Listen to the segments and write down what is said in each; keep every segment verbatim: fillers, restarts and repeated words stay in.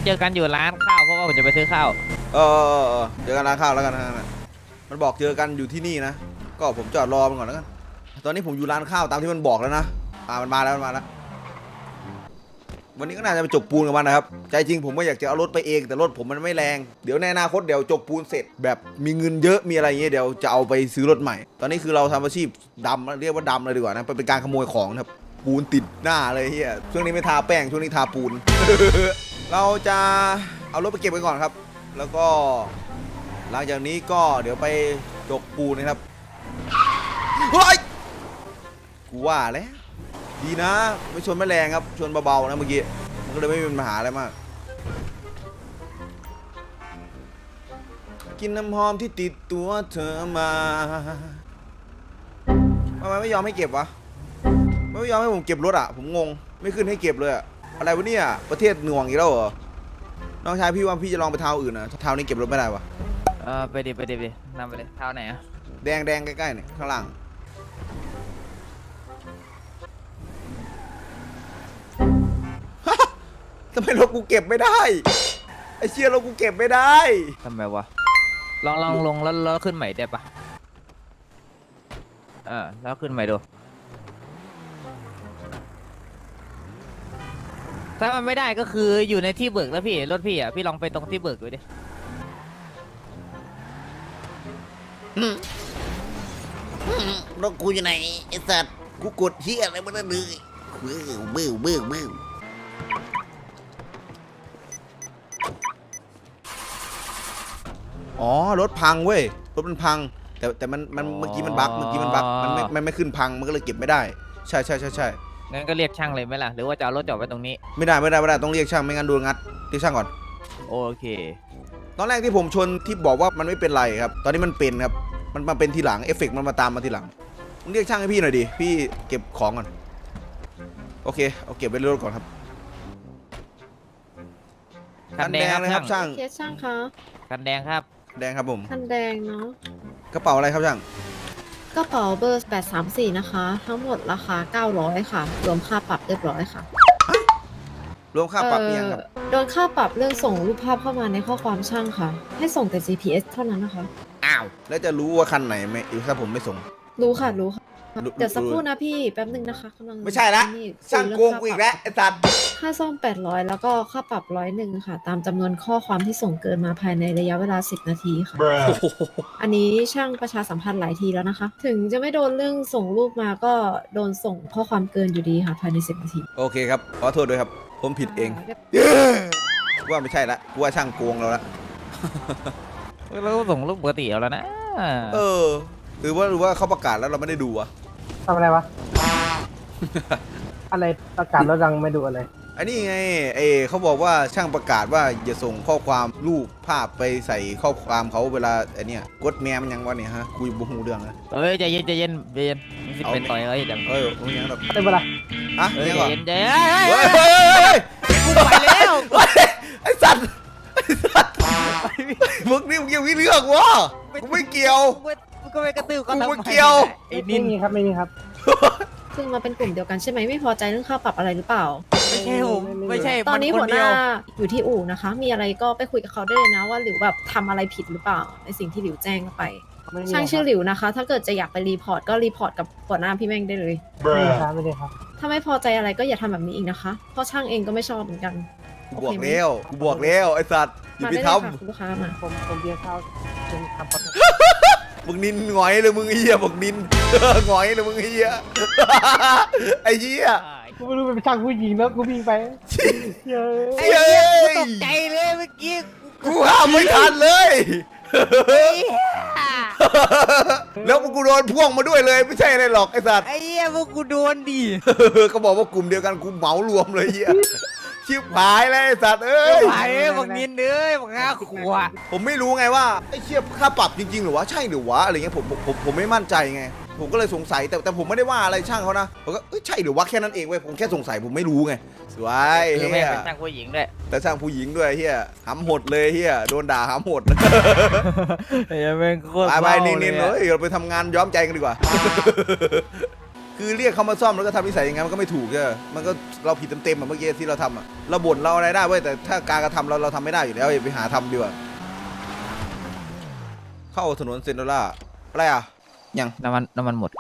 เจอกันอยู่ร้านข้าวเพราะว่าผมจะไปซื้อข้าวเออเจอกันร้านข้าวแล้วกันนะมันบอกเจอกันอยู่ที่นี่นะก็ผมจอดรอมันก่อนแล้วกันตอนนี้ผมอยู่ร้านข้าวตามที่มันบอกแล้วนะอ่ามันมาแล้วมันมาแล้ววันนี้ก็น่าจะไปจกปูนกับมันนะครับใจจริงผมก็อยากจะเอารถไปเองแต่รถผมมันไม่แรงเดี๋ยวในอนาคตเดี๋ยวจกปูนเสร็จแบบมีเงินเยอะมีอะไรเงี้ยเดี๋ยวจะเอาไปซื้อรถใหม่ตอนนี้คือเราทำอาชีพดำเรียกว่าดำเลยดีกว่านะเป็นการขโมยของนะครับปูนติดหน้าเลยเฮียช่วงนี้ไม่ทาแป้งช่วงนี้ทาปูน เราจะเอารถไปเก็บไว้ก่อนครับแล้วก็หลังจากนี้ก็เดี๋ยวไปจกปูนนะครับเฮ้ยกูว่าแล้วดีนะไม่ชนไม่แรงครับชนเบาๆนะเมื่อกี้มันก็เลยไม่มีปัญหาอะไรมากกินน้ำหอมที่ติดตัวเธอมาทำไมไม่ยอมให้เก็บวะไม่ยอมให้ผมเก็บรถอ่ะผมงงไม่ขึ้นให้เก็บเลยอะอะไรวะเนี่ยประเทศหน่วงอีกแล้วเหรอน้องชายพี่ว่าพี่จะลองไปเท้าอื่นนะเท้านี้เก็บรถไม่ได้วะเออไปดิไปดิไปดินำไปเลยเท้าไหนอะแดงแดงใกล้ๆเนี่ยข้างล่างทำไมรถกูเก็บไม่ได้ไอ้เชี่ยรถกูเก็บไม่ได้ทำไมวะลองลองลงแล้วแล้วขึ้นใหม่ได้ปะเออแล้วขึ้นใหม่ดูถ้ามันไม่ได้ก็คืออยู่ในที่เบิกแล้วพี่รถพี่อ่ะพี่ลองไปตรงที่เบิกดูดิรถกูอยู่ไหนไอ้สัตว์กูกดเฮียอะไรมันนั่นเลยบื้อบื้อบื้อบื้ออ๋อรถพังเว้ยรถมันพังแต่แต่มันมันเมื่อกี้มันบั๊กเมื่อกี้มันบั๊กมันไม่มันไม่ขึ้นพังมันก็เลยเก็บไม่ได้ใช่ใช่ใช่ใช่งั้นก็เรียกช่างเลยไหมล่ะหรือว่าจะเอารถจอดไว้ตรงนี้ไม่ได้ไม่ได้ไม่ได้ต้องเรียกช่างไม่งั้นโดนงัดเรียกช่างก่อนโอเคตอนแรกที่ผมชนที่บอกว่ามันไม่เป็นไรครับตอนนี้มันเป็นครับมันมาเป็นทีหลังเอฟเฟกต์มันมาตามมาทีหลังเรียกช่างให้พี่หน่อยดิพี่เก็บของก่อนโอเคเอาเก็บไว้ในรถก่อนครับคันแดงนะครับช่างเคสช่างคะคันแดงครับแดงครับผมคันแดงเนาะกระเป๋าอะไรครับช่างกระเป๋าเบอร์แปดสามสี่นะคะทั้งหมดราคาเก้าร้อยค่ะรวมค่าปรับเรียบร้อยค่ะรวมค่าปรับเพียงครับโดนค่าปรับเรื่องส่งรูปภาพเข้ามาในข้อความช่างค่ะให้ส่งแต่ จี พี เอส เท่านั้นนะคะอ้าวแล้วจะรู้ว่าคันไหนไหมถ้าผมไม่ส่งรู้ค่ะรู้ค่ะเดี๋ยวสักครู่นะพี่แป๊บนึงนะคะกำลังไม่ใช่ละช่างโกงกูอีกแล้วไอ้สัตว์ค่าซ่อมแปดร้อยแล้วก็ค่าปรับร้อยหนึ่งค่ะตามจำนวนข้อความที่ส่งเกินมาภายในระยะเวลาสิบนาทีค่ะอันนี้ช่างประชาสัมพันธ์หลายทีแล้วนะคะถึงจะไม่โดนเรื่องส่งรูปมาก็โดนส่งข้อความเกินอยู่ดีค่ะภายในสิบนาทีโอเคครับขอโทษด้วยครับผมผิดเองว่าไม่ใช่ละกูว่าช่างโกงเราละเราก็ส่งรูปปกติเอาแล้วนะเออหรือว่าหรือว่าเขาประกาศแล้วเราไม่ได้ดูอะทำอะไรวะ อะไรประกาศแล้วยังไม่ดูอะไรอันนี้ไงเอเขาบอกว่าช่างประกาศว่าอย่าส่งข้อความรูปภาพไปใส่ข้อความเขาเวลาไอเนี้ยกดแมมันยังวะเนี่ยฮะคุยบุหูเรื่องนะเอ้ยใจเย็นใจเย็นใจเย็นสิเป็นต่อยเอ้ยดังเออมึงยังแบบได้ปะล่ะฮะใจเย็นใจเย็นเฮ้ยกูไปแล้วไอสัตว์ไอสัตว์มึงนี่มึงยังวิเรื่องวะกูไม่เกี่ยวก็ไม่กระตือก็ไม่เกี่ยวไอ้นี่ครับไม่มีครับซึ่งมาเป็นกลุ่มเดียวกันใช่ไหมไม่พอใจเรื่องค่าปรับอะไรหรือเปล่าไม่ใช่ผมไม่ใช่ตอนนี้หัวหน้าอยู่ที่อู่นะคะมีอะไรก็ไปคุยกับเขาได้เลยนะว่าหลิวแบบทำอะไรผิดหรือเปล่าในสิ่งที่หลิวแจ้งไปช่างชื่อหลิวนะคะถ้าเกิดจะอยากไปรีพอร์ตก็รีพอร์ตกับหัวหน้าพี่แม่งได้เลยไม่ได้ครับไม่ได้ครับถ้าไม่พอใจอะไรก็อย่าทำแบบนี้อีกนะคะเพราะช่างเองก็ไม่ชอบเหมือนกันกูบอกแล้วกูบอกแล้วไอ้สัตว์อย่าไปทำลูกค้ามาผมผมเบียร์ข้าวเป็นทำมึงนินหงอยเลยมึงไอ้เหี้ยบอกนินหงอยเลยมึงไอ้เหี้ยไอ้เหี้ยกูไม่รู้เป็นช่างผู้หญิงแล้วกูวิ่งไปเฮ้ยตกใจเลยเมื่อกี้กูห้ามไม่ทันเลยแล้วมึงกูโดนพ่วงมาด้วยเลยไม่ใช่อะไรหรอกไอ้สัตว์ไอ้เหี้ยพวกกูโดนดิเขาบอกว่ากลุ่มเดียวกันกูเหมารวมเลยเหี้ยชิบหายเลยไอ้สัตว์เอ้ยหายเลยบอกนินเอ้ยบอกห้าขวบผมไม่รู้ไงว่าไอ้เชี่ยค่าปรับจริงๆหรือวะใช่หรือวะอะไรเงี้ยผมผมผมไม่มั่นใจไงผมก็เลยสงสัยแต่แต่ผมไม่ได้ว่าอะไรช่างเขานะผมก็ใช่หรือวะแค่นั้นเองเว้ยผมแค่สงสัยผมไม่รู้ไงสวยเฮียเป็นช่างผู้หญิงด้วยแต่ช่างผู้หญิงด้วยเฮียหำหดเลยเฮียโดนด่าหำหดเฮียเป็นโคตรไปไปนินๆเลยเราไปทำงานย้อมใจกันดีกว่าคือเรียกเขามาซ่อมแล้วก็ทำนิสัยอย่างงั้นมันก็ไม่ถูกใช่ไหมมันก็เราผิดเต็มๆอะเมื่อกี้ที่เราทำอะเราบ่นเราอะไรได้เว้ยแต่ถ้าการกระทำเราเราทำไม่ได้อยู่แล้วอย่าไปหาทำดีกว่าเข้าถนนเซนโดล่าอะไรอ่ะยังน้ำมันน้ำมันหมด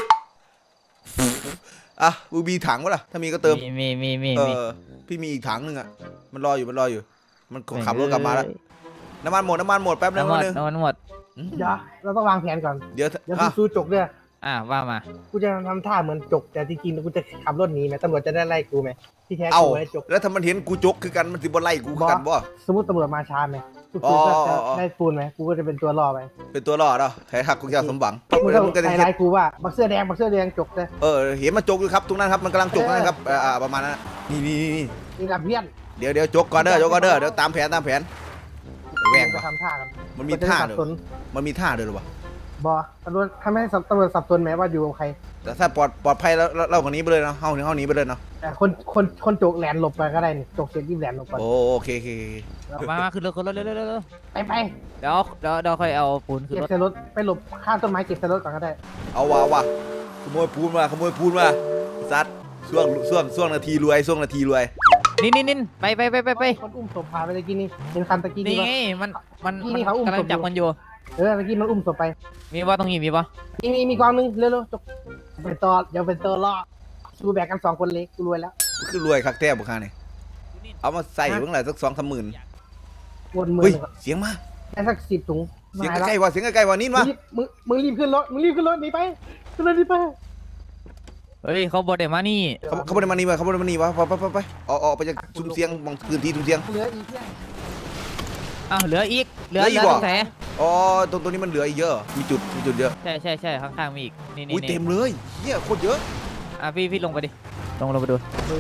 อ่ะบูบีถังวะล่ะถ้ามีก็เติมมีมีมีมีเอมีอพี่มีอีกถังหนึงอ่ะมันรออยู่มันรออยู่ มันขับรถกลับมาแล้วน้ำมันหมดน้ำมันหมดแป๊บนึงน้ำมันแป๊บนึงน้ำมันหมดเดี๋ยวเราต้องวางแผนก่อนเดี๋ยวเดี๋ยวอ่ะกูสู้จกด้วยอ่าว่ามากูจะทำท่าเหมือนจกแต่จริงๆกูจะขับรถหนีไหมตำรวจจะได้ไล่กูไหมที่แท้เอากูไม่ได้จกแล้วถ้ามันเห็นกูจกคือกันมันสิบ่ไล่กูคือกันบ่สมมติตำรวจมาช้าไหมกูอ๋อก็อ๋จะออ๋อได้ปูนไหมกูก็จะเป็นตัวล่อไปเป็นตัวรอดเหรอไทยหักกูจะสมหวังมึงแล้วก็มึงก็จะไฮเห็ไลนท์กูว่าบักเสื้อแดงบักเสื้อแดงจกเลยเออเห็นมันจกอยู่ครับตรงนั้นครับมันกำลังจกนะครับเอออ่าประมาณนั้นนะนี่นี่นี่นี่กับเพื่อนเดี๋ยวเดี๋ยวจกก่อนเด้อจกก่อนเด้อเดี๋ยวตามแผนตามแผนแหวงไปปะทำท่ากันมันมีท่าสัเด้บสอน มันมีท่าเด้อหรอวะบอตำรวจทำให้ตำรวจสับสนไหมว่าอยู่กับใครแต่ถ้าปลอดปลอดภัยแล้วเราเราคนนี้ไปเลยเนาะเฮาเฮาหนีไปเลยเนาะแต่คนคนคนจกแหลนหลบไปก็ได้นี่จกเสร็จรีบแหลนหลบไปโอโอเคโอเคโอเคมามาขึ้นรถขึ้นรถเร็วเร็วเร็วเร็วไปไปเดี๋ยวเดี๋ยวเดี๋ยวค่อยเอาปูนขึ้นเก็บรถใส่รถไปหลบข้างต้นไม้เก็บใส่รถก่อนก็ได้เอาว่ะเอาว่ะขโมยปูนมาขโมยปูนมาซัดช่วงช่วงช่วงนาทีรวยช่วงนาทีรวยนี่นี่นี่ไปไปไปไปไปคนอุ้มศพพาไปตะกี้นี่เห็นคันตะกี้นี่นี่ไงปะมันมันนี่มันเขาอุ้มกำลัศงพจับมันอยู่เออตะกี้มันอุ้มศพไปมีป่ะตรงนี้มีป่ะมีมีมีกองนึงเร็วๆจกเป็นตัวเดี๋ยวเป็นตัวล่อชูแบกกันสองคนเล็กกูรวยแล้วคือรวยคักแท้บุคคานี่เอามาใส่เพิ่งไหร่สักสองสามหมื่นวนมือเฮ้ยเสียงมาได้สักสิบถุงเสียงมาแล้วใกล้ๆว่ะเสียงใกล้ๆว่ะนี่มึวะงรีบมึงมึงรีบขึ้นรถมึงรีบขึ้นรถหนีไปขึ้นรถหนีไปเฮ้ยเขาบดเดี๋ยวมานี่เขาเขาไม่ได้มานี่วะเขาไม่ได้มานี่วะไปไปไปไปออกออกไปจากซุ้มเสียงบางพื้นที่ซุ้มเสียงเหลืออีกเพียงอ้าวเหลืออีกเหลือเหลืออีเหลืกอเหรอตรงไหนอ๋อตรงตรงนี้มันเหลืออีกเยอะมีจุดมีจุดเยอะใช่ใช่ใช่ข้างๆมีอีกนี่นี่อุ้ยนี่เต็มเลยเฮียโคตรเยอะอ่ะพี่พี่ลงไปดิลงลงไปดู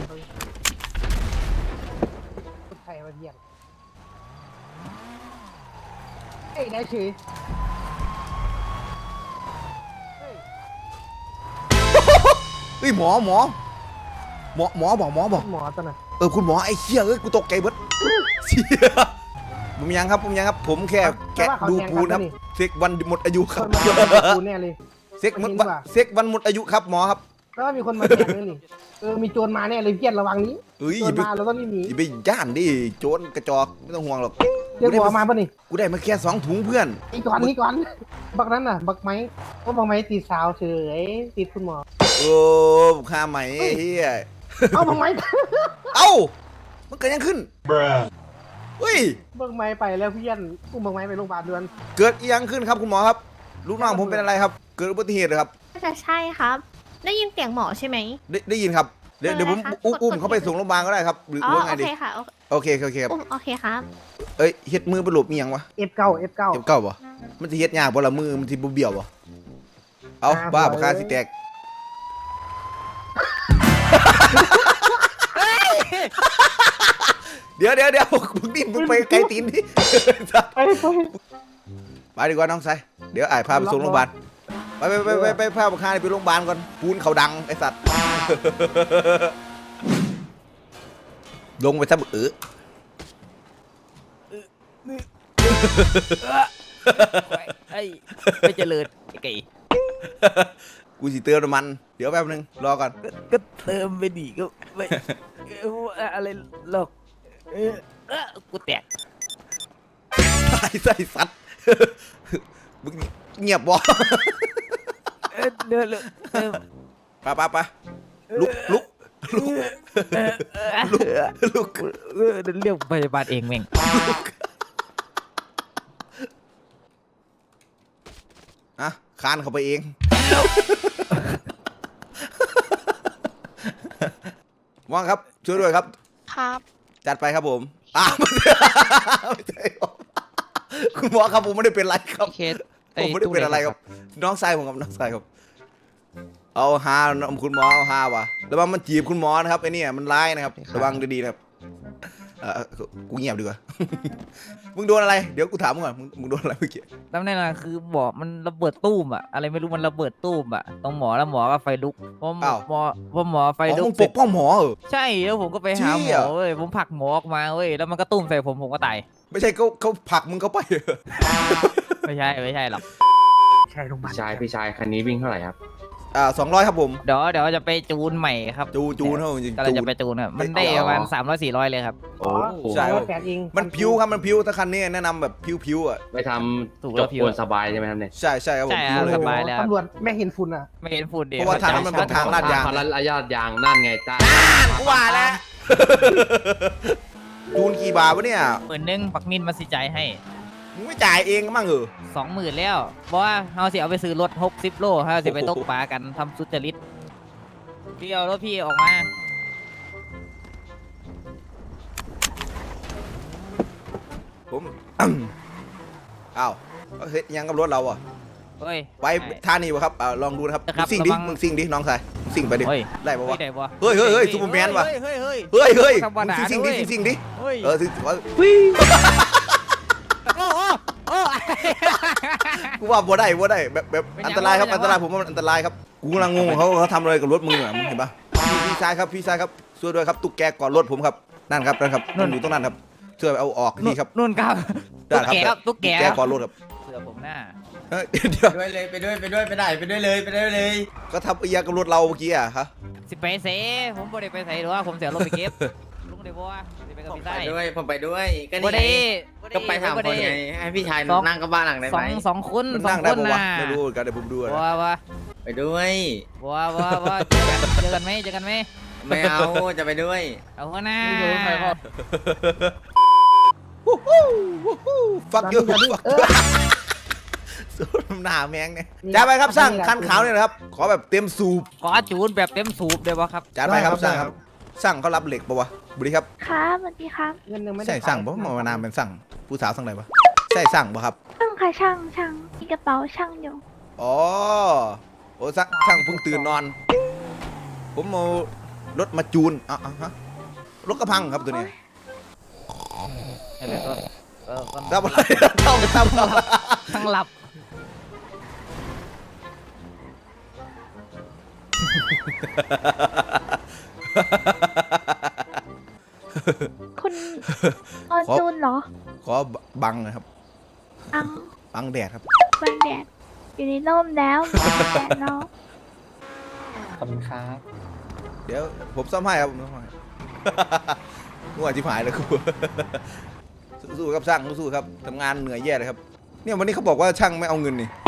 คนไทยมาเยี่ยมเฮ้ยได้เฉยเฮ้ยเฮ้ยหมอหมอหมอหมอบอกหมอบอกหมอตัวน่ะเออคุณหมอไอ้เชี่ยเอ้ยกูตกใจเบิดเชี่ยผมยังครับผมยังครับผมแค่แกะดูปูนครับเซ็กวันหมดอายุคครันบมากูแน่เลยเซ็กหมดวันเซ็กวันหมดอายุครับหมอครับแล้วมีคนมาแทงเลยนี่เออมีโจรมาแน่เลยเพี้ยนระวังนี้เอ้ยโจอย่าร ไปมาเราต้องรีบหนีอย่าไปย่านดิโจรกระจอกไม่ต้องห่วงหรอกเรียกหมอมาป่ะนี่กูได้มาแค่สองถุงเพื่อนอีกก่อนนี่ก่อนบักนั้นน่ะ บักไม้ว่าบักไม้ติดสาวเฉยติดคุณหมอโอ้ข้าไหมเฮียเอาบักไม้เอ้ามันเกิดยังขึ้นเฮ้ยบักไม้ไปแล้วเพี้ยนอุ้มบักไม้ไปโรงพยาบาลด่วนเกิดอีหยังขึ้นครับคุณหมอครับลูกน้องผมเป็นอะไรครับ เกิดอุบัติเหตุเหรอครับน่าจะใช่ครับ ได้ยินเสียงหมอใช่ไหมได้ได้ยินครับเดี๋ยวเออเดี๋ยวผมนะคะอุ้มกดอุ้มกดเขาไปส่งโรงพยาบาลก็ได้ครับหรืออ๋อว่าไงโอดีเคค่ะโอเคโอเคครับอุ้มโอเคครับเอ้ยเฮ็ดมือไปหลบมีหยังวะเอฟเก้าเอฟเก้าเจ็บเก้าบ่มันสิเฮ็ดยากบ่ละมือมันสิบ่เบี้ยวบ่เอาอ่าบ้าบ่ปากกาสิแตกเดี๋ยวเดี๋ยวเดี๋ยวมึงดิ้นมึงไปไกลตีนดิไปไปไปดีกว่าน้องไซเดี๋ยวอ้ายพาไปส่งโรงพยาบาลไปไปไปไปไปพาปากกาไปโรงพยาบาลก่อนปูนเขาดังไอ้สัตว์ ลงไปซะบึกเออไอ้ไม่เจริญไอ้ไก่กูสิเติมน้ำมันเดี๋ยวแป๊บนึงรอก่อนก็ก็เติมไปดิก็ไม่เอ่ออะไรหรอกเออเออกูแตกตายใส่สัตว์ มึงเงียบบ่เออเดี๋ยวเดี๋ยวเออไปไปไปลุกลุกลุกเออเออลุกลุกเออเดี๋ยวเรียกพยาบาลเองแม่งอ่ะคานเข้าไปเอง ว่างครับช่วยด้วยครับครับจัดไปครับผมอ่าไม่ใช่ครับคุณหมอครับผมไม่ได้เป็นไรครับเคสผมไม่ได้เป็นอะไรครับ น้องชายผมครับน้องชายครับ เอาฮาคุณหมอเอาฮาว่ะระวังมันจีบคุณหมอนะครับไอ้นี่มันร้ายนะครับระวังดีๆนะครับเออกูเงียบดีกว่า มึงโดนอะไรเดี๋ยวกูถามมึงก่อนมึงมึงโดนอะไรเมื่อกี้ตำแหน่งคือบอกมันระเบิดตู้มอะอะไรไม่รู้มันระเบิดตู้มอะตรงหมอแล้วหมอก็ไฟลุกพอหมอหมอพอหมอไฟอ๋อลุมึกงปกป้องหมอเหรอใช่แล้วผมก็ไปหาเชี่หมอย เว้ยผมผลักหมอออกมาเว้ยแล้วมันก็ตุ้มใส่ผมผมก็ตายไม่ใช่เขาเขาผลักมึงเข้าไปเหรอไม่ใช่ไม่ใช่หรอกใช่โรงพยาบาลพี่ชายพี่ชายคันนี้วิ่งเท่าไหร่ครับอ่าสองร้อยครับผมเดี๋ยวเดี๋ยวจะไปจูนใหม่ครับจูจูนเท่าจริงกำลังจูจะนไปจูนครับมันได้ประมาณสามร้อยสี่ร้อยเลยครับโอ้โหใช่ร้อยแปดเองมันพิวครับมันพิวถ้าคันนี้แนะนำแบบพิวๆอ่ะไปทถูกำแล้จวบพี่คนสบายใช่ไหมครับเนี่ยใช่ใช่ครับผมใช่พิคว รับเลยสบายแล้วตำรวจไม่เห็นฝุ่นอ่ะไม่เห็นฝุ่นเดียวเพราะว่าทางนั้นมันเป็นทางลาดยางพลันอาญาตยางนั่นไงจ้ากูว่าแล้วจูนกี่บาทวะเนี่ยหมื่นหนึงปักนินมาสิจ่ายให้มึงไม่จ่ายเองมั้งเหรอสองหมื่นแล้วเพราะว่าเราสิเอาไปซื้อรถหกสิบโลเราสิไปตกปลากันทำสุจริตพี่เอารถพี่ออกมาผม อ้าวเฮ้ยยังกับรถเราอ่ะเฮ้ยไว้ท่านี้วะครับอ่าลองดูนะครับครัมึบงซิ่งดิระวังมึงซิ่งดิน้องชายมึงซิ่งไปดิเฮ้ยได้ปะวะได้ปะเฮ้ยเฮ้ยเฮ้ยซูเปอร์แมนว่ะเฮ้ยเฮ้ยเฮ้ยเฮ้ยเฮ้ยธรรมมึงดาซิ่งดิด้วยซิ่งดิเฮ้ยเออซิ่งว่าโอ้โอ้โอ้กูว่าบ่ได้บ่ได้แบบแบบเป็นอัยันงตรายครับเป็นยังอันตรายผมว่ามันอันตรายครับกูกำลังงงเขาเขาทำอะไรกับรถมึงอ่ะมึงเห็นปะพี่พี่ชายครับพี่ชายครับช่วยด้วยครับตุ๊กแกก่อนรถผมครับนั่นครับนั่นครับมันอยู่ตรงนั้นครับช่วยเอาออกทีครับนุ่นครับได้ตุ๊กครับแกครับตุ๊กแกแกก่อนรถครับเสือผมหน้าเฮ้ยเดี๋ยวไปด้วยเลยไปด้วยไปด้วยไปไหนไปด้วยเลยไปด้วยเลยก็ทำไอ้ยากับรถเราเมื่อกี้อ่ะฮะสิไปเสผมบ่ได้ไปใส่หรอว่าผมเสียรถไปเก็บลุงได้บ่วะสิไปกับผมพี่ไปใต้ด้วยผมไปด้วยก็บ่นี่ได้ไงบ่ด้ก็ไปถามบ่คด้นไงให้พี่ชายสองนั่งกับบ้านหลังได้สไหอมงสองคนมันสอนั่งงคได้นปะวะน่ะไม่รู้เหมือนกันเดี๋ยวผมดูนะว้าวะไปด้วยว้าวว้าวว้าวเจอกันเจอกันไหมเจอกันไหมไม่เอาจะไปด้วยเอาหัวหน้าฟักยูฟักยูสูดหน้าแมงเนี่ยจ้าไปครับสร้างคันขาวเนี่ยนะครับขอแบบเต็มสูบขอจูนแบบเต็มสูบเลยวะครับจ้าไปครับสร้างครับสร้างเขารับเหล็กปะวะบุรีครับครับสวัสดีครับเงินหนึ่งไม่ได้ใช่สั่งปะมานามเป็นสั่งผู้สาวสั่งอะไรปะใช่สั่งปะครับช่างค่ะช่างช่างมีกระเป๋าช่างอยู่อ๋อโอ้สั่งสั่งเพิ่งตื่นนอน ผมเอารถมาจูนอ่ะอ่ะฮะรถกระพังครับตัวเนี้ยอะไรก็เออก็ทำอะไรต้องทำอะไรทั้งหลับคุณออนจูนเหรอขอบังหนะครับอังบังแดดครับบังแดดอยู่ในร่มแล้วแดดเนาะขอบคุณครับเดี๋ยวผมซ่อมให้ครับผมซ่อมให้ งัวจิ๋หายเลยครู สู้ๆครับช่างสู้ๆครับทำงานเหนื่อยแย่เลยครับเนี่ยวันนี้เขาบอกว่าช่างไม่เอาเงินนี่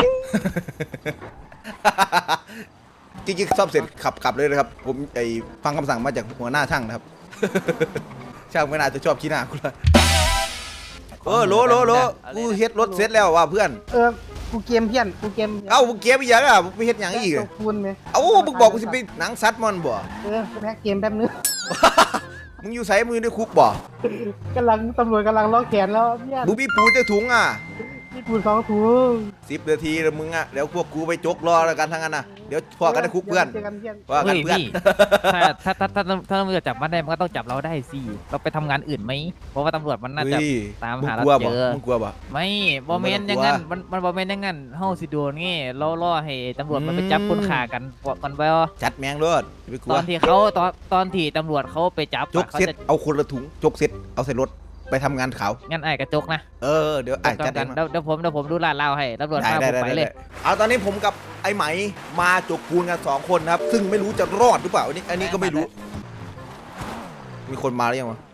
จริงๆซ่อมเสร็จขับกลับเลยนะครับ ผมไอฟังคำสั่งมาจากหัวหน้าช่างนะครับ ช่างไม่น่าจะชอบขี้หน้ากูเลยเออโหลโหลโหลกูเฮ็ดรถเสร็จแล้วว่ะเพื่อนเออกูเกมเพี้ยนกูเกมเอ้ามึงเก็บอีกอย่างอ่ะมึงไปเฮ็ดอย่างอีกตอะกปูนไหมเอ้ามึงบอกกูสิไปหนังซัดมันบ่เออแพ็กเกมแป๊บนึงมึงอยู่ใส่มือในคุกบ่กำลังตำรวจกำลังล็อกแขนแล้วเพี้ยนมึงมีปูจะถุงอ่ะนี่ปูสองถุงสิบนาทีแล้วมึงอ่ะเดี๋ยวพวกกูไปจกรอแล้วกันทั้งนั้นนะเดี๋ยวพอกันในคุกเพื่อนเจอกันเพื่อนว่ากันเฮ้ยเพื่อนพี่ถ้าถ้าถ้าถ้าถ้าตำรวจจับมันได้มันก็ต้องจับเราได้สิเราไปทำงานอื่นไหมเพราะว่าตำรวจมันน่าจะเฮ้ยตามมึงหากลัวเราบ่เจอมึงกลัวบ่ไม่บอมเมนมึงไม่อต้ย่าอง งกลัวงั้นมันมันบอมเมนอย่างงั้นเฮาสิโดนงี้ล่อล่อให้ตำรวจมันไปจับคนฆ่ากันก่อนไปว่าจัดแมงรถอย่าไปกลัตวอนที่เขาตอนตอนที่ตำรวจเขาไปจับจกเขาเซ็ตจะเอาคนละถุงจกเซ็ตเอาใส่รถไปทำงานขาวงั้นไอ้กระจกนะเออเดี๋ยวไอ้จัดกัเอน งเดี๋ยวเดี๋ยวผมเดี๋ยวผมดูลาดเล่าให้ตำรวจได้มาได้ผมได้ไปได้เลยเอาตอนนี้ผมกับไอ้ไหมมาจกปูนกันสองคนนะครับ ซึ่งไม่รู้จะรอดหรือเปล่าอันนี้อันนี้ก็ไม่รู้ มีคนมาหรือยังวะ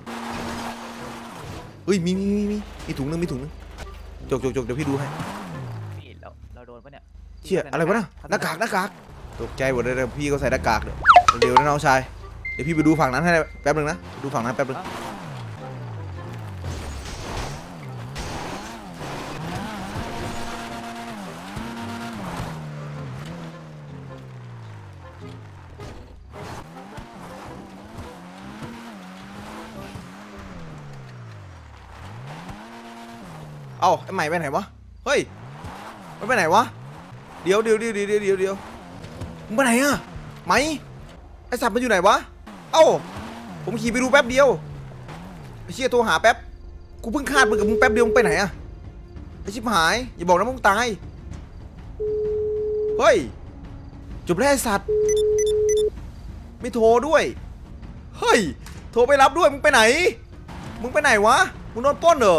เฮ้ยมีมีมีมีมีถุงนึงมีถุงนึงจกจกจกเดี๋ยวพี่ดูให้พี่เราเราโดนปะเนี่ยเชี่ยอะไรวะน่ะหน้ากากหน้ากากตกใจหมดเลยนะพี่ก็ใส่หน้ากากเลยเดี๋ยวนะน้องชายเดี๋ยวพี่ไปดูฝั่งนั้นให้แป๊บนึงนะดูฝั่งนั้นแป๊บนึงเอ้าไอ้ใหม่ไปไหนวะเฮ้ยมันไปไหนวะเดี๋ยวเดี๋ยวเดี๋ยวเดี๋ยวเดี๋ยวเดี๋ยวมึงไปไหนอะไหมไอ้สัตว์มันอยู่ไหนวะเอ้าผมขี่ไปดูแป๊บเดียวไอ้เชี่ยโทรหาแป๊บกูเพิ่งคาดมึงกับมึงแป๊บเดียวมึงไปไหนอะไอ้ชิบหายอย่าบอกนะมึงตายเฮ้ยจบแล้วไอ้สัตว์ไม่โทรด้วยเฮ้ยโทรไปรับด้วยมึงไปไหนมึงไปไหนวะมึงโดนปล้นเหรอ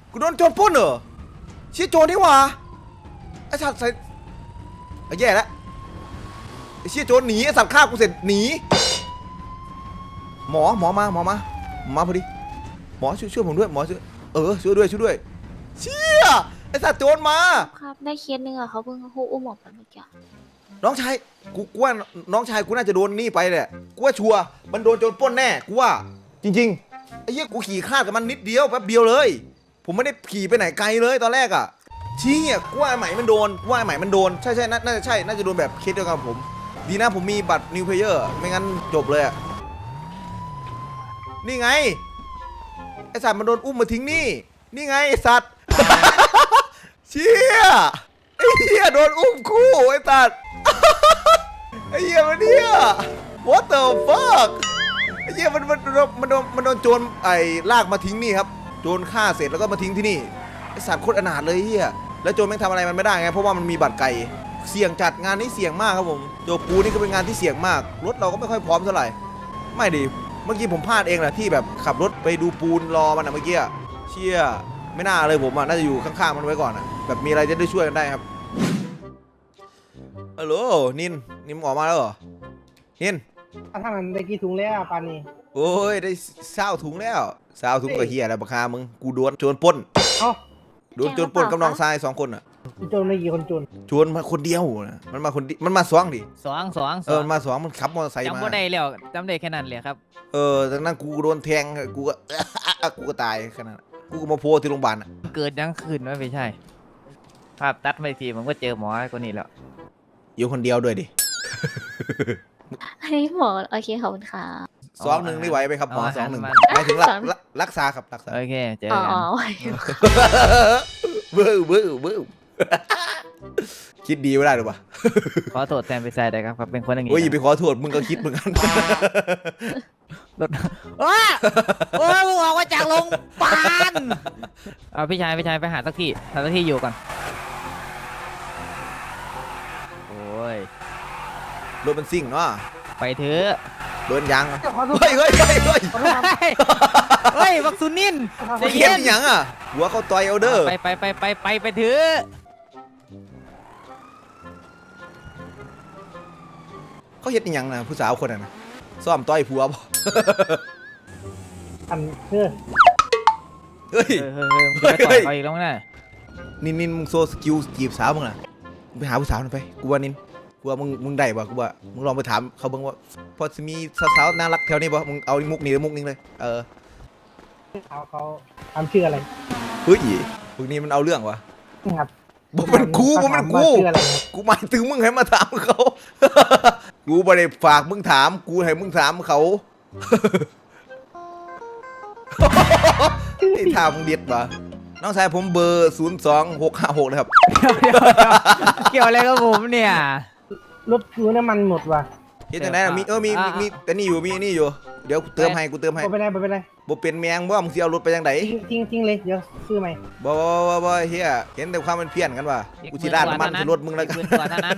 กูโดนโจรปล้นเหรอเชี่ยโจรนี่หว่าไอ้สัตว์ใส่ไอ้แย่แล้วไอ้เชี่ยโจรหนีไอ้สัตว์ฆ่ากูเสร็จหนีหมอหมอมาหมอมาหมอมาพอดีหมอช่วยช่วยผมด้วยหมอช่วยเออช่วยด้วยช่วยด้วยเชี่ยไอ้สัตว์โจรมาครับได้เคสหนึ่งอะเขาเพิ่งเขาอุ้มออกไปเมื่อกี้น้องชายกูกูว่าน้องชายกูน่าจะโดนนี่ไปแหละกูว่าชัวร์มันโดนโจรปล้นแน่กูว่าจริงๆไอ้เหี้ยกูขี่คลาดกับมันนิดเดียวแป๊บเดียวเลยผมไม่ได้ขี่ไปไหนไกลเลยตอนแรกอ่ะชี้อ่ะกูว่าไอ้ไหมมันโดนกูว่าไอ้ไหมมันโดนใช่ใช่น่าจะใช่น่าจะโดนแบบเคสเดียวกับผม ดีนะผมมีบัตรนิวเพลเยอร์ไม่งั้นจบเลยอ่ะนี่ไงไอสัตว์มันโดนอุ้มมาทิ้งนี่นี่ไงไอสัตว์ เชี่ยไอ้เหี้ยโดนอุ้มคู่ไอ้สัตว์ ไอ้เหี้ยมันเนี่ย what the fuck ไอ้เหี้ยมันมันมันโดนมันโดนมันโดนโจรไอ้ลากมาทิ้งนี่ครับโจรฆ่าเสร็จแล้วก็มาทิ้งที่นี่ไอ้สัตว์โคตรอนาถเลยเหี้ยแล้วโจรแม่งทำอะไรมันไม่ได้ไงเพราะว่ามันมีบัตรไก่เสี่ยงจัดงานนี้เสี่ยงมากครับผมโจปูนี่ก็เป็นงานที่เสี่ยงมากรถเราก็ไม่ค่อยพร้อมเท่าไหร่ไม่ดีเมื่อกี้ผมพลาดเองแหละที่แบบขับรถไปดูปูนรอมันอะเมื่อกี้เชี่ยไม่น่าเลยผมอะน่าจะอยู่ข้างๆมันไว้ก่อนอะแบบมีอะไรจะได้ช่วยกันได้ครับฮัลโหลนินนินออกมาแล้วเหรอนินถ้าทางนั้นได้กี่ถุงแล้วปานนี้โอ้ยได้เศร้าถุงแล้วเศร้าถุงกับเฮียอะไรบักคามึงกูโดนโจรปล้นเอ้าโดนโจรปล้นกับน้องชายสองคนอะโจรไม่กี่คนโจรโจรมาคนเดียวนะมันมาคนเดียวมันมาสองดิสองสองสเอออง มันมาสองมันขับมอเตอร์ไซค์มาจำบ่ได้แล้วจำได้แค่นั้นเลยครับเออจากนั้นกูโดนแทงกูก็ กูก็ตายขนาดนั้นกูก็มาโพสที่โรงพยาบาลอะเกิดยังคืนไว้ไม่ใช่ ภาพตัดไม่ทีมันก็เจอหมอไอ้คนนี้แล้วอยู่คนเดียวด้วยดิอันนี้หมอโอเคขอบคุณค่ะสองหนึ่งนี่ไหวไหมครับหมอเอาอาสอหารงหนึ่งมาหมายถึงรักสองรักรักษาครับรักษาโอเคเจออ๋อกันไหวเบ้อเบ้อเบ้อคิดดีไม่ได้หรือเปล่าขอโทษแทนไปใส่ได้ครับครับเป็นคนอย่างงี้โอ้ยอย่าไปขอโทษมึงก็คิดเหมือนกันรถว้าโอ้ยมึงออกมาจากโรงพยาบาลเอาพี่ชายพี่ชายไปหาสักที่หาสักที่อยู่ก่อนโอ้ยรถมันซิ่งเนาะไปเถอะโดนยางอะขอโทษเฮ้ยเฮ้ยเฮ้ยเฮ้ยขอโทษครับเฮ้ยบักซุนินใจเขีเย็ยนนอหย่างอ่ะหัวเขาต่อยเอาเด้อไปไปไปไปไปไปเถอะเขาเฮ็ดอหย่างนะผู้สาวคนนั้นนะซ่อมต่อยผัวบ่อันเฮ้ยเฮ้ยเฮ้ยเฮ้ยเฮ้ยมึงจะไปต่อยเขาอีกแล้วมั้งน่ะนินนินมึงโซสกิลจีบสาวมึงน่ะมึงไปหาผู้สาวหน่อยไปกูว่านินกูว่ามึงมึงได้ป่ะกูว่ามึงลองไปถามเขาเบิ่งว่าพอจะมีสาวๆน่ารักแถวนี้ป่ะมึงเอามุกนี้หรือมุกนี้เลยเออเขาเขาทำชื่ออะไรเฮ้ยพวกนี้มันเอาเรื่องวะครับบ่มันกูบ่มันกูชื่ออะไรครับกูหมายถึงมึงให้มาถามเขา กูบ่ได้ฝากมึงถามกูให้มึงถามเขา ไอ้ท่ามึงเด็ดป่ะน้องชายผมเบอร์ศูนย์สองหกห้าหกนะครับเกี่ยวอะไรกับผมเนี่ยรถคือน้ำมันหมดว่ะเฮ็ดจังได๋ล่ะมีเออมีมีมีแต่นี่อยู่มีนี่อยู่เดี๋ยวกูเติมให้กูเติมให้บ่เป็นไรบ่เป็นไรบ่เป็นแมงบ่มึงสิเอารถไปจังไดทิ้งทิ้งเลยเดี๋ยวซื้อใหม่บ่บ่บ่บ่เฮียเห็นแต่ความเป็นเพี้ยนกันว่ะกูสิราดน้ำมันใส่รถมึงแล้วกันอีหมื่กว่าเท่านั้น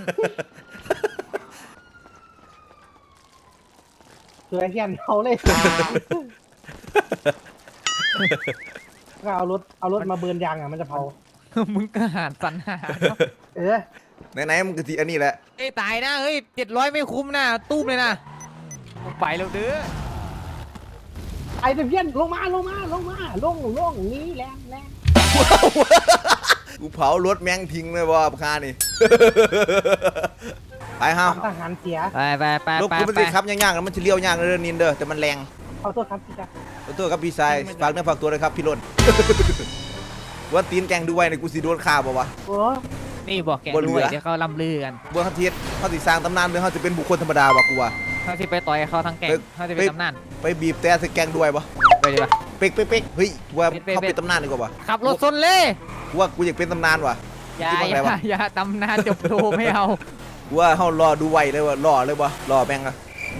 คือไอ้เหี้ยนเอาเลยก็เอารถเอารถมาเบิร์นยางอ่ะมันจะเผามึงก็หารสันหาเนอะเออไหนๆมึงก็สิอันนี้แหละเอ้ยตายนะเฮ้ยเจ็ดร้อยไม่คุ้มนะตู้มเลยนะไปแล้วเด้อไอ้เพี้ยนลงมาลงมาลงมาลงลงนี้แรงแรงกูเผารถแมงทิ้งเลยบ่คานี่ ไปเฮาทหารเสียไปไปไปรถไปกูมันไปสิขับยากๆแล้วมันสิเลี้ยวยากเด้อนินเด้อแต่มันแรงขอโทษครับพี่จ๊ะขอโทษครับพี่ชายฝากเนื้อฝากตัวเลยครับพี่ล้น ว่าตีนแกงดูไว้ในกูสิโดนฆ่าบ่วะโอ้นี่บอกแกบ่เหลืด้วยอเดี๋ยวเขาล่ำลือกันบ่เขาเทียดเขาสิสร้างตำนานหรือเขาจะเป็นบุคคลธรรมดาวะกูว่าเขาที่ไปต่อยเขาทั้งแก่งเฮ้ยเขาจะเป็นตำนานไปบีบแต่ใส่แกงด้วยบ่ไปดีป่ะเป๊กเป๊กเป๊กเฮ้ยกูว่าเป๊กเป๊กเขาเป็นตำนานดีกว่าว่ะขับรถซนเลยกูว่ากูอยากเป็นตำนานว่ะอย่าที่บอกออะไรย่าวะอย่าตำนานจบโทไม่เอากูว่าเขารอดูไว้เลยว่ะรอเลยว่ะรอแม่งอะ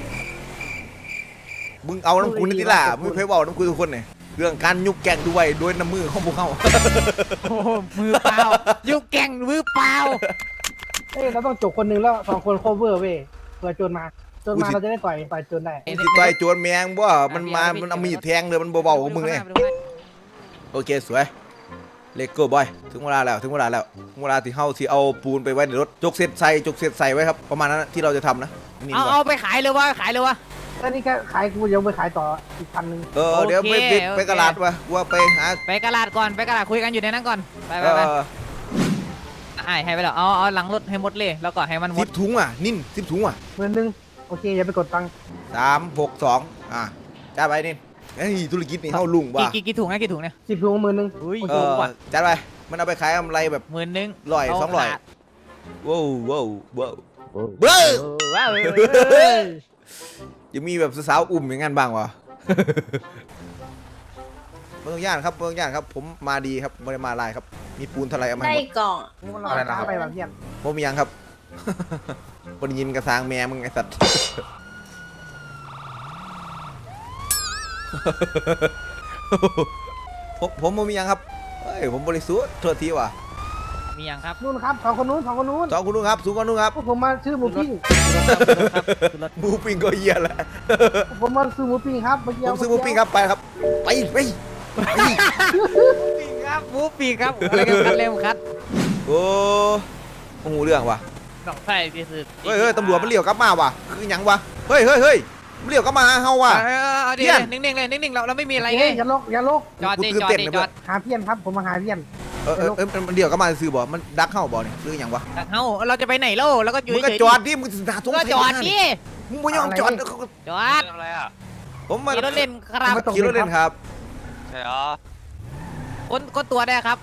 มึงเอาน้ำกูนี่ติล่ะมึงเคยบอกน้ำกูทุกคนเนี่ยเรื่องการยุกแกงดูไว้โดยน้ำมือของพวกเขาโอ้โหมือเปล่ายุกแก่งมือเปล่าเอ้ยเราต้องจบคนหนึงแล้วสองคนโคเวอร์เว้ยเผื่อโจรมาโจรมาเราจะได้ต่อยต่อยโจรได้กูสิต่อยโจรแมงบ่มันมามันเอามีดแทงเลยมันเบาๆของมึงเนี่ยโอเคสวยเลโก้บอยถึงเวลาแล้วถึงเวลาแล้วถึงเวลาที่เฮาที่เอาปูนไปไว้ในรถจกเศษใส่จกเศษใส่ไว้ครับประมาณนั้นที่เราจะทำนะนี่เอาดีกว่าเอาไปขายเลยวะขายเลยวะแล้วนี่ก็ขายกูยังไปขายต่ออีกพันหนึ่งเออเดี๋ยวไปโอเคไปโอเคไปกระลาดวะว่าไปหาไปกระดาษก่อนไปกระดาษคุยกันอยู่ในนั้นก่อนไปไปเอไปออ่าให้ไปแล้วเอาเอาหลังรถให้หมดเลยแล้วก็ให้มันหมสิดบถุงอ่ะนิ่นสิบถุงอ่ะหมื่นหนึ่งโอเคอย่าไปกดตังค์สามหกสองอ่ะจ้าไปนิ่นเฮ้ยธุรกิจนี่เฮาลุงกี่ว่ะกี่กี่ถุงนะกี่ถุงเนี่ยสิบถุงหมื่นหนึ่งอุ้ยเออจ้าไปมันเอาไปขายกำไรแบบหมื่นหนึ่งร้อยเาสองร้อยขาดว้าวว้าวว้าวเบ้เบ้อว้าวยังมีแบบสาวๆอุ่มอย่างนั้นบ้างวะ เมืองย่านครับเมืองย่านครับ ผมมาดีครับไม่ได้มาลายครับ มีปูนเทลายเอามาได้ให้หมดกล่องมันรออะไรนะครับไปแบบเพี้ยนผมมียังครับ บนยินกระซางแม่มึงไอสัตว์ ผมผมบ่มียังครับเฮ้ยผมบริสุทธิ์โทษทีว่ะมียังครับนู่นครับสองคนนู้นสองคนนู้นสองคุณลุงครับสูงกว่าลุงครับพวกผมมาซื้อหมูปิ้งรถหมูปิ้งก็เยี่ยแหละผมมาซื้อหมูปิ้งครับเมื่อกี้ผมซื้อหมูปิ้งครับไปครับไปไปไปปีกครับหมูปีกครับอะไรกันคัดเร็วคัดโอ้โอ้โหเรื่องว่ะดอกไส้ที่สุดเฮ้ยเฮ้ยตำรวจมันเลี้ยวกลับมาว่ะคือหยังวะเฮ้ยเฮ้ยเฮ้ยมันเลี้ยวกลับมาหาเฮาว่ะเออเอาดิเพี้ยนนิ่งๆเลยนิ่งๆเราเราไม่มีอะไรไงเอ้ยอย่าลกอย่าลกจอดดิกูตื่นจอดเต้นดิเลยจอดหาเพี้ยนครับผมมาหาเพี้ยนเออเออเออมันเลี้ยวกลับมาซื้อบ่มันดักเฮาบ่เนี่ยคือหยังวะเอ้าเราจะไปไหนเล่าแล้วก็อยู่มึงก็เฉยๆจอดดิมึงหาตรงก็จอดดิมึงไม่ยอมจอดจอดผมมาขี่รถเล่นครับไม่ตกขี่รถเล่นครับคนคนตัวได้ครับ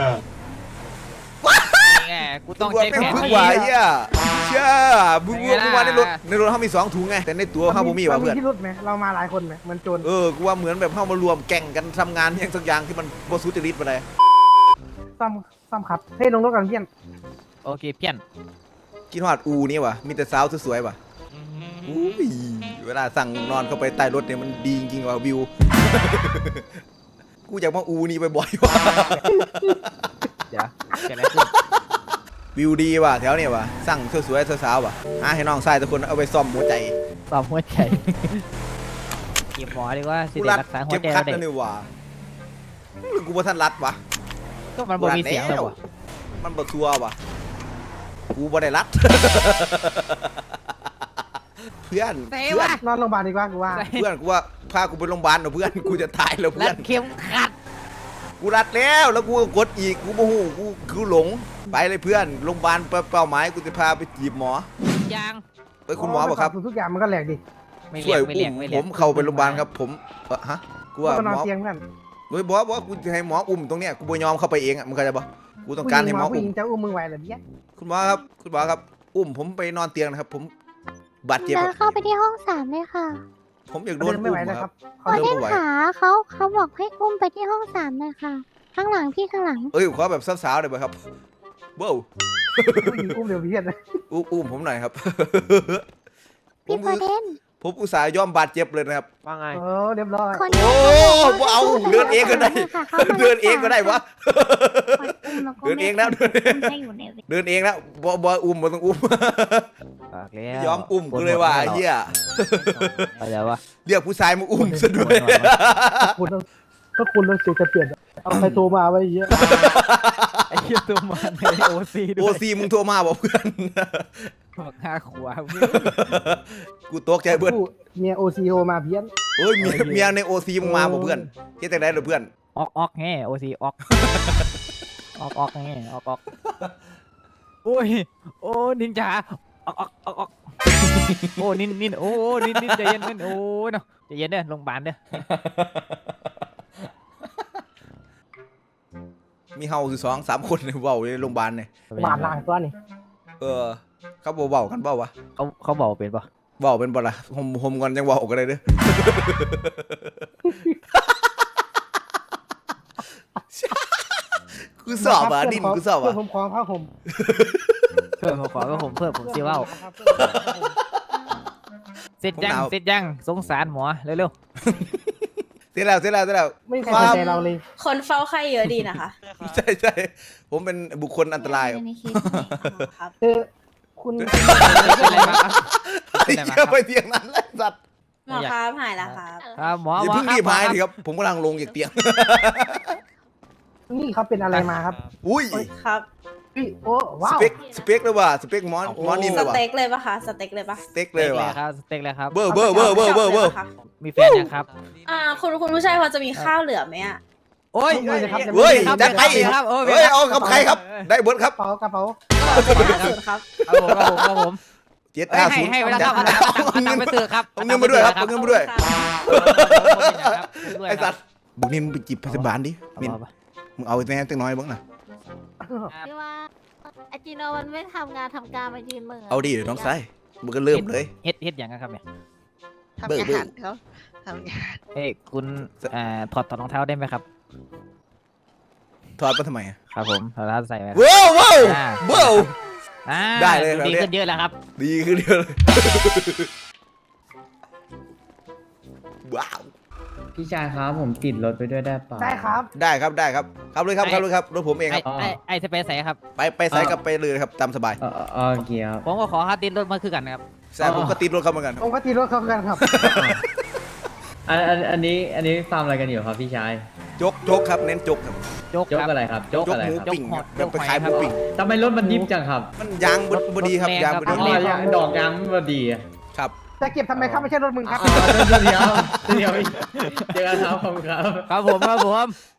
นี่ไงกูต้องตำรวจใช้แม่งแผนพึ่งที่ไหวอ่ะเชื่อมึงไงมึล่ะงว่าในรถในรถเขามีสองถุงไงแต่ในตัวเขาบ่มีว่ะเพื่อนที่รุดไหมเรามาหลายคนไหมเหมือนโจรเออกูว่าเหมือนแบบเข้ามารวมแก่งกันทำงานอย่างสักอย่างที่มันบ่สุจริตไปเลยซ้ำซ้ำครับเฮ้ยลงรถกันเพี้ยนโอเคเพี้ยนกินฮอดอูนี่ว่ะมีแต่สาวสวยๆว่ะอุ้ยเวลาสั่งนอนเข้าไปใต้รถเนี่ยมันดีจริงๆว่ะวิว กูอยากมาอูนี่บ่อยๆว่ะเดี๋ยวเกิดอะไรขึ้นวิวดีว่ะแถวเนี่ยว่ะสั่งสวยๆสาวๆว่ะหาให้น้องชายทุกคนเอาไปซ่อมหัวใจตอบหัวใจเก็บหมอดีกว่าสิกูเด็รัดรักษาหัเก็วบใจคัดเด็กนั่นนี่ว่ะหรือกูบ่ทันรัดวะก็มันบ่มีเสียงเลยวะมันบ่ทัวว่ะกูบ่ได้รัด เพื่อนเซ่เพื่อวะนนอนโรงพยาบาลดีกว่ากูว่าเพื่อนกูว่าพากูไปโรงพยาบาลเถอะเพื่อนกูจะตายแล้วรัเพื่อดนเข็มขัดกูรัดแล้วแล้วกูก็กดอีกกูโมโหกูกูหลงไปเลยเพื่อนโรงพยาบาลเป้าหมายกูจะพาไปจีบหมอยางไปคุณหมอบอกครับทุกอย่างมันก็แหลกดิไม่ช่เรีวย ยกไม่เรีอุ้ยกมไม่ผเรียกมเข้าไปโรงพยาบาลครับผมเออฮะกูว่าก็นอนหมอเตียงเพื่อนโดยบอกว่ากูจะให้หมออุ้มตรงเนี้ยกูบ่ยอมเข้าไปเองอ่ะมึงเข้าใจปะกูต้องการให้หมอผู้หอุ้ญิมงจะอุ้มมึงไหวเหรอเบี้ยคุณหมอครับคุณหมอครับอุ้มผมไปนอนเตียงนะครับ ผมบาดเจ็บเดิคน รับเข้าไปที่ห้องสามเลยค่ะผมอยากโดนเดินไม่อุ้ไหวมแล้วคครัรับบขอเดินเล่นไม่ไหวขาเขาเขาบอกให้อุ้มไปที่ห้องสามเลยค่ะ ข้างหลังพี่ข้างหลังเอ้ยขอแบบสาวๆเลยไหมครับเบ้าผู้หญิงอุ้มเดี๋ยวเพี้ยนอุ้มอุ้มผมหน่อยครับ ผพี่มโปรเดนผมอุตส่าห์ยอมบาดเจ็บเลยนะครับว่าไงเออเรียบร้อยคนโอ้นี้บ่เอาเดินเองก็ได้ค่ะขามาเดินเองก็ได้วะอุ้มแล้วก็เดินเองแล้วให้อยู่ในเดินเองแล้วบอบออุ้มมาต้องอุ้มปากแล้วยอมอุ้มกูเลยว่ะไอ้เหี้ยไปแล้ววะเรียกผู้ชายมาอุ้มซะด้วยคุณต้องถ้าคุณต้องเสียจะเปลี่ยนเอาใครโทรมาไว้เยอะไอ้เหี้ยตัวมันในโอซีด้โอวยซีมึงโทรมาบอกเพื่อนบอกห้าขวาเพื่อนกูตกใจเพื่อนผู้เมียโอซีโอมาเพี้ยนเอ้ยเมียเมียในโอซีมึงมาบอกเพื่อนเจ๊แต่ไหนเหรอเพื่อนออกออกแง่โอซีออกออกออกแง่ออกออกโอ้ยโอ้นินจาออกออกออกออกโอ้นินนินโอ้นินนินใจเย็นนินโอ้เนาะใจเย็นเด้อโรงพยาบาลเด้อมีเฮาสิสองสามคนในเว้าในโรงพยาบาลเนี่ยหวานล่างตัวนี่เออเขาบ่เว้ากันเปล่าวะเขาเขาบอกเป็นปะเว้าเป็นบ่ล่ะหมหมก่อนจังเว้ากันเลยเด้อ กูสอบอ่ะดินกูสอบเพื่อ่ะนผมขอผ้าห่มเพิ่มขอก็ผมเพิ่มผมซีว่าเสร็จยังเสร็จยังสงสารหมอเร็วเสร็จแล้วเสร็จแล้วเสร็จแล้วไม่มีใครสนใจเราเลยคนเฝ้าไข้เยอะดีนะคะใช่ใช่ผมเป็นบุคคลอันตรายครับในเคสนี้ครับเออคุณๆเป็นอะไรมาครับไอ้เหี้ยไปเตียงนั้นแล้วสัตว์หมอครับหายแล้วครับครับหมออย่าหมอเพิ่งครับรีบหมอหายครับดิครับผมกำลังลงจากเตียงนี่พี่เขาเป็นอะไรมาครับอุ้ยครับพี่โอ้สว้าวเปคสเปคเลยว่ะสเปคมอนมอนนินสเลยว่ะเต็กเลยปะคะสเต็กเลยปะสเต็กสเลเต็ยกเลยว่ะครับสเต็กเลยครับเบอร์เบอร์เบอร์เบอร์เบอร์เบอร์มีแฟนยังครับอ่าคุณคุณผู้ชายพอจะมีข้าวเหลือไหมอ่ะโอ้ยเฮ้ยครับเฮ้ยครับจัดไปครับโอ้ยเฮ้ยเอากับใครครับ ได้เบิร์ดครับกระเป๋ากระเป๋าห้าศูนย์ครับครับผมครับผมครับผมเจ็ดเอ้ยห้าให้ศูนย์ให้เวลาเข้าเอาตังค์เอาตังค์ไปซื้อครับเอาเงินมาด้วยครับเอาเงินมาด้วยครับไอ้สัตว์บุกนินมึงไปจีบพยาบาลดินินเอาไปมึงเอาแน่ตั้งน้อยบ้างนะพี่ว่าอาจิโนมันไม่ทำงานทำการมายืนมือเอาดิเดี๋ยวน้องไส้มึงก็เริ่มเลยเฮ็ดเฮ็ดอย่างนั้นครับเนี่ยทำงานเขาทำงานเอ้ยคุณเอ่อถอดถอดรองเท้าได้ไหมครับถอดมาทำไมอะครับผมถอดรองเท้าใส่ไหมครับว้าวว้าวอ่าว้าวอ่าได้เลยครับดีขึ้นเยอะแล้วครับดีขึ้นเยอะเลยว้าวพี่ชายครับผมติดรถไปด้วยได้เปล่าได้ครับได้ครับได้ครับครับเลยครับครับเลยครับรถผมเองคไอ้รับไอ้ไอ้สเปซใส่ครับไปไปไซส์กับไปเลยครับตามสบายเออเออโอเคครับผมก็ขอค่าติดรถมาคือกันนะครับแซ่บผมก็ติดรถเขาเหมือนกันผมก็ตีรถเขากันครับอันอันอันนี้อันนี้ฟาร์มอะไรกันอยู่ครับพี่ชายจกจกครับเน้นจกครับโจ๊กยกครับอะไรครับยกจกอะไรหมูครับปิ้งครับจแบบกไปหอยขายหมูครับปิ้งทำไมรถมันดิฟจังครับมันยางบดบดีครับยางบอ๋ดีอยางดอกยางมันดีอะครับจะเก็บทำไมครับไม่ใช่รถมึงครับอ๋อเดี๋ยวเดี๋ยวเดี๋ยวเดี๋ยวเจอกันครับผมครับครับผมครับผม